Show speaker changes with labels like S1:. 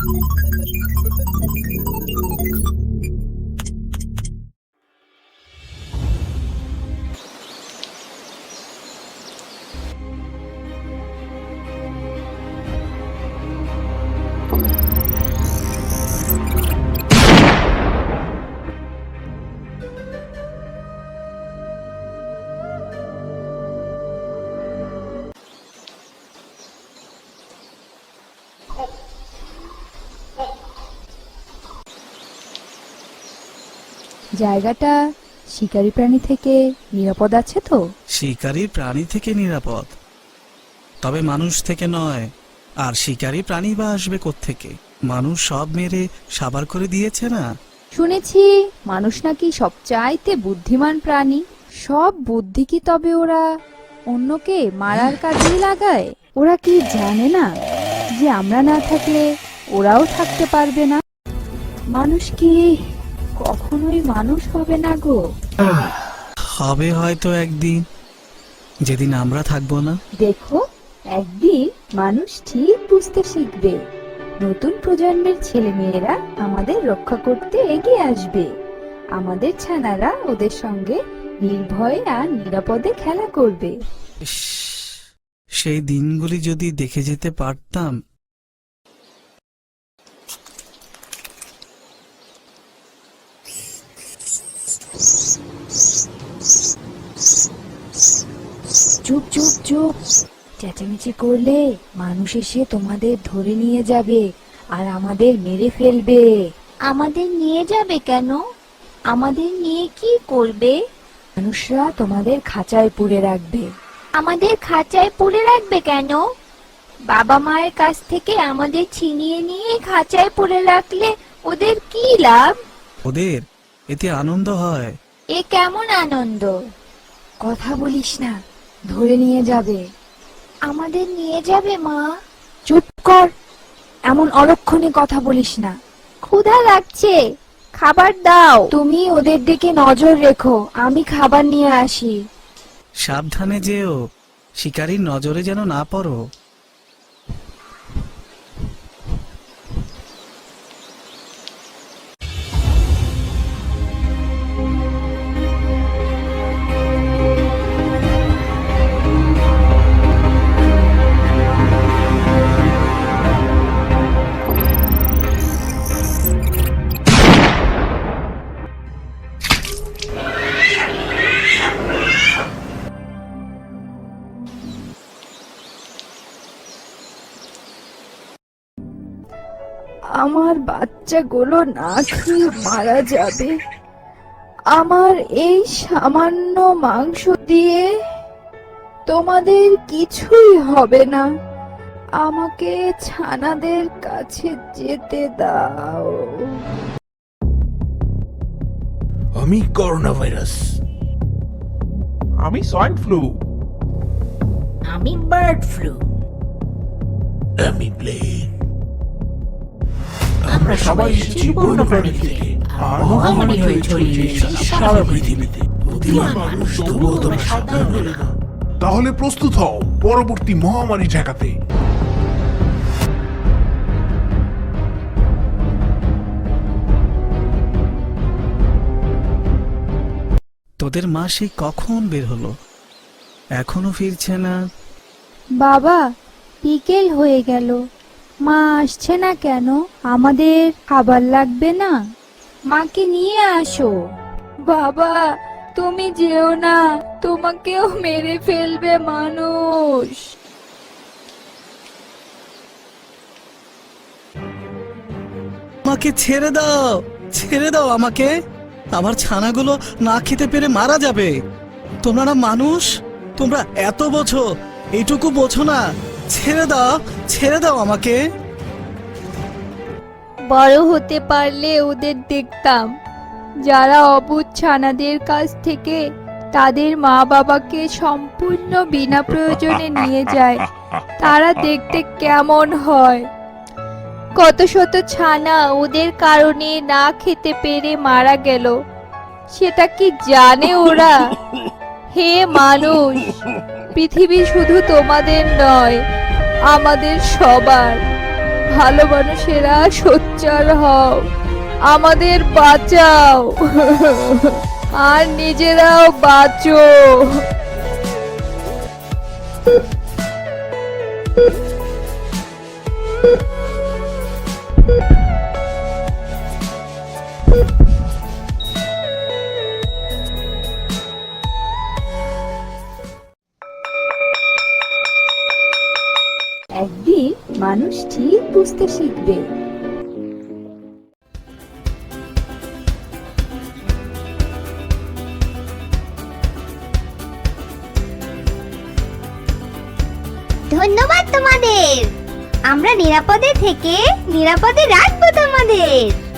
S1: জায়গাটা শিকারী প্রাণী থেকে নিরাপদ আছে তো?
S2: শিকারী প্রাণী থেকে নিরাপদ, তবে মানুষ থেকে নয়। আর শিকারী প্রাণী বা আসবে কোত্থেকে? মানুষ সব মেরে সাবার করে দিয়েছে না।
S1: শুনেছি মানুষ নাকি সবচাইতে বুদ্ধিমান প্রাণী। সব বুদ্ধি কি তবে ওরা অন্যকে মারার কাজেই লাগায়? ওরা কি জানে না যে আমরা না থাকলে ওরাও থাকতে পারবে না? মানুষ কি কখনোই মানুষ হবে না গো?
S2: হবে হয়তো একদিন, যেদিন আমরা থাকবো না।
S1: দেখো, একদিন মানুষ ঠিক বুঝতে শিখবে। নতুন প্রজন্মের ছেলেমেয়েরা আমাদের রক্ষা করতে এগিয়ে আসবে। আমাদের ছানারা ওদের সঙ্গে নির্ভয়ে আর নিরাপদে খেলা করবে।
S2: ইস, সেই দিনগুলি যদি দেখে যেতে পারতাম।
S1: চুপ চুপ চুপ, চেঁচামেচি করলে মানুষ এসে তোমাদের ধরে নিয়ে যাবে আর আমাদের মেরে ফেলবে।
S3: আমাদের নিয়ে যাবে কেন? আমাদের নিয়ে কি করবে?
S1: মানুষরা তোমাদের খাঁচায় পুরে রাখবে।
S3: আমাদের খাঁচায় পুরে রাখবে কেন? বাবা মায়ের কাছ থেকে আমাদের ছিনিয়ে নিয়ে খাঁচায় পুরে রাখলে ওদের কি লাভ?
S2: ওদের এতে আনন্দ হয়।
S3: এ কেমন আনন্দ?
S1: কথা বলিস না, ধরে নিয়ে যাবে।
S3: আমাদের নিয়ে যাবে মা?
S1: চুপ কর, এমন অলক্ষণে কথা বলিস না।
S3: ক্ষুধা লাগছে, খাবার দাও।
S1: তুমি ওদের দিকে নজর রেখো, আমি খাবার নিয়ে আসি।
S2: সাবধানে যেও, শিকারীর নজরে যেন না পড়ো।
S1: আমার বাচ্চাগুলো না খেয়ে মারা যাবে। আমার এই সামান্য মাংস দিয়ে তোমাদের কিছুই হবে না। আমাকে ছানাদের কাছে যেতে দাও।
S4: আমি করোনা ভাইরাস।
S5: আমি সোয়াইন ফ্লু।
S3: আমি বার্ড ফ্লু।
S4: আমি প্লেগ।
S5: আমরা সবাই এসেছি বন্যপ্রাণী থেকে, আর মহামারী হয়ে ছড়িয়ে সারা পৃথিবীতে। বুদ্ধিমান মানুষ তবুও তোমরা সাবধান হলে না।
S4: তাহলে প্রস্তুত হও পরবর্তী মহামারী ঠেকাতে।
S2: তোদের মা সেই কখন বের হলো, এখনো ফিরছে না।
S1: বাবা, বিকেল হয়ে গেল, মা আসছে না কেন? আমাদের খাবার লাগবে না? মাকে নিয়ে আসো। বাবা, তুমি যেও না, তোমাকেও মেরে ফেলবে মানুষ।
S2: আমাকে ছেড়ে দাও, ছেড়ে দাও আমাকে। আমার ছানাগুলো না খেতে পেরে মারা যাবে। তোমরা না মানুষ? তোমরা এত বোঝো, এইটুকু বোঝো না? ছেড়ে দাও, ছেড়ে দাও আমাকে।
S1: বড় হতে পারলে ওদের দেখতাম, যারা অবুঝ ছানাদের কাছ থেকে তাদের মা বাবাকে সম্পূর্ণ বিনা প্রয়োজনে নিয়ে যায়। তারা দেখতে কেমন হয়। কত শত ছানা ওদের কারণে না খেতে পেরে মারা গেল, সেটা কি জানে ওরা? হে মানুষ, পৃথিবী শুধু তোমাদের নয়, আমাদের সবার। ভালো মানুষেরা সোচ্চার হও, আমাদের বাঁচাও আর নিজেরাও বাঁচো।
S6: একদিন মানুষ ঠিক বুঝতে শিখবে
S3: ধন্যবাদ তোমাদের। আমরা নিরাপদে থেকে নিরাপদে রাখবো তোমাদের।